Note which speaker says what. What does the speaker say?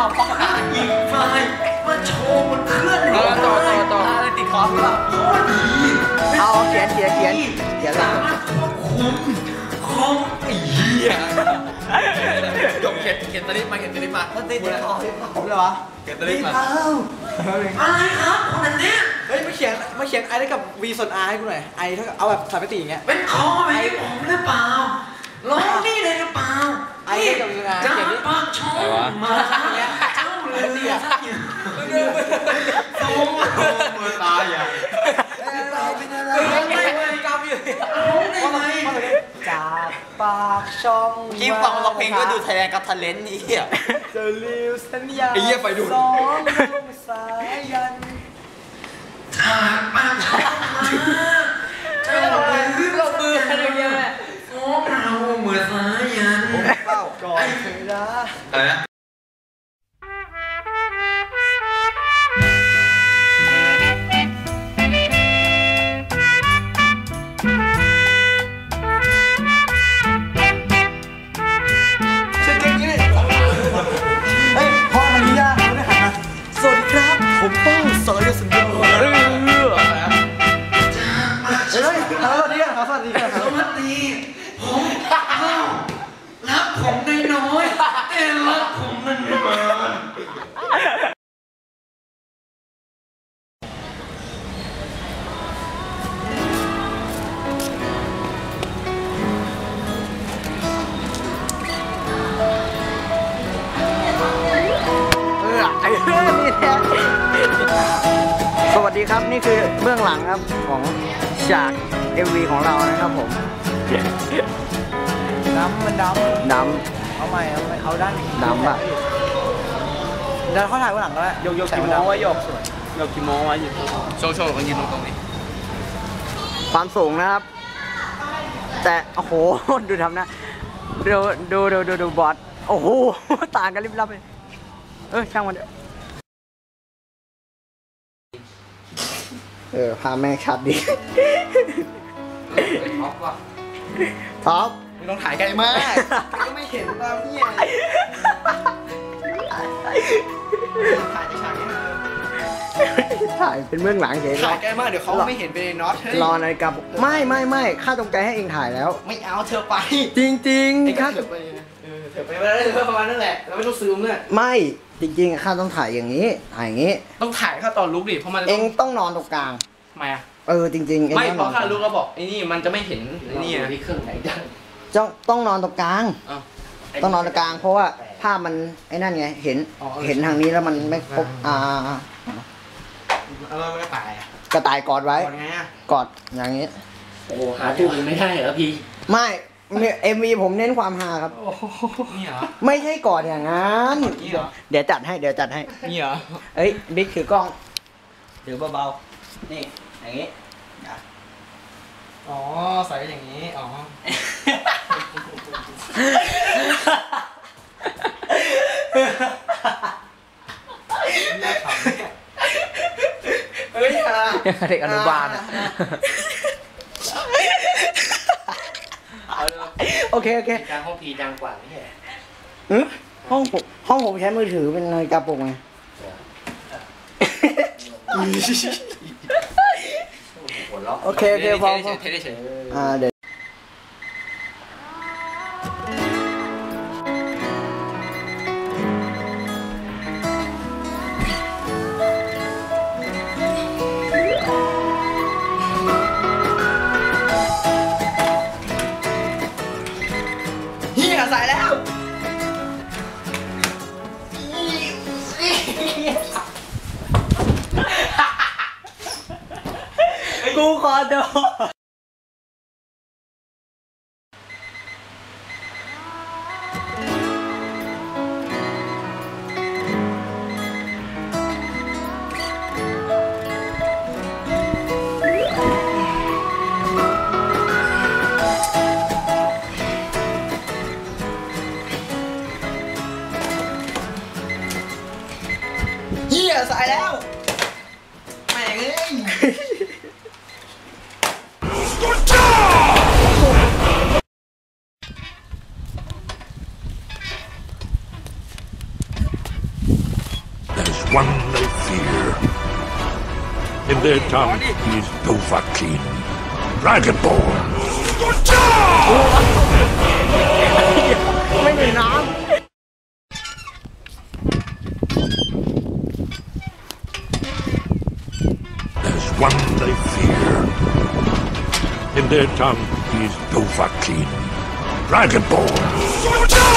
Speaker 1: ต่อป้องหาอีกไฟมาโชว์บนเครื่องต่อติดคอเปล่าโคตรดีเอาเขียนสามารถควบคุมคอมไอ้เหี้ยจบเขียนตลิปมามันติดคอผมเลยวะเขียนตลิปมาอะไรครับคนนั้นเนี่ยเฮ้ยมาเขียนไอได้กับ V ส่วน R ให้กูหน่อยไอเท่ากับเอาแบบสามมิติอย่างเงี้ยเป็นคอไหมผมหรือเปล่าร้องนี่เลยหรือเปล่าไอ้กับยังไงจะปากชงมาเนี่ยเจ้าเลยเนี่ยโซ่มือตายอ่ะเป็นอะไรกำอยู่จากปากช่องคลิปฟังเราเพลงก็ดูไทยแลนด์กับทะเลนนี่อ่ะจะลืมสัญญาสองสายยันจากปากช่องมาเจ้าลืมมืออะไรเงี้ยเราเหมือนสายันเป้าก่อนเธอนะอะไรนะฉันเก่งนี่เฮ้ยพ่อมาลียาเขาได้หันมาสวัสดีครับผมป้องสอยสัญญาสวัสดีผมรักผมได้น้อยแต่รักผมนานสวัสดีครับนี่คือเบื้องหลังครับของฉาก MV ของเรานะครับผมมันดำเอาใหม่เอาด้านดำอ่ะเดี๋ยวเขาถ่ายข้างหลังก็ได้ยกกี่โมงไว้ยกกี่โมงไว้อยู่โชว์กันยืนตรงนี้ความสูงนะครับแต่โอ้โหดูทำนะดูบอสโอ้โหต่างกันริบลับเลยช่างมันพาแม่ชัดดิท็อปไม่ต้องถ่ายไกลมากก็ไม่เห็นเราเนี่ยถ่ายเป็นเบื้องหลังเฉยถ่ายไกลมากเดี๋ยวเขาไม่เห็นเป็นน็อตรอนาฬิกาไม่ข้าตรงใจให้เองถ่ายแล้วไม่เอาเธอไปจริงข้าเธอไปประมาณนั่นแหละเราไม่ต้องซื้อเมื่อไม่จริงๆข้าต้องถ่ายอย่างนี้ต้องถ่ายข้าตอนลุกดิเพราะมันเองต้องนอนตรงกลางทำไมจริงๆไม่เพราะข้าลุกแล้วบอกไอ้นี่มันจะไม่เห็นไอ้นี่ที่เครื่องไหนต้องนอนตรงกลางต้องนอนตรงกลางเพราะว่าภาพมันไอ้นั่นไงเห็นทางนี้แล้วมันไม่ครบแล้วกระต่ายกอดไว้กอดอย่างนี้โอ้หาตู้มันไม่ได้เหรอพี่ไม่MV ผมเน้นความฮาครับนี่เหรอไม่ใช่กอดอย่างนั้นเดี๋ยวจัดให้นี่เหรอบิ๊กถือกล้องถือเบาๆนี่อย่างนี้ใส่อย่างนี้เด็กอนุบาลโอเคการห้องพีดังกว่าไม่ใช่ห้องผมใช้มือถือเป็นนาฬิกาปลุกไงโอเคพอเดี๋ยวใส่แล้วกูขอโทษใส่แล้วแม่งเอ้ย
Speaker 2: one they fear. In their tongue is Dovahkiin, Dragonborn.
Speaker 1: ไม่มีน้
Speaker 2: There's one they fear. In their tongue is Dovahkiin, Dragonborn.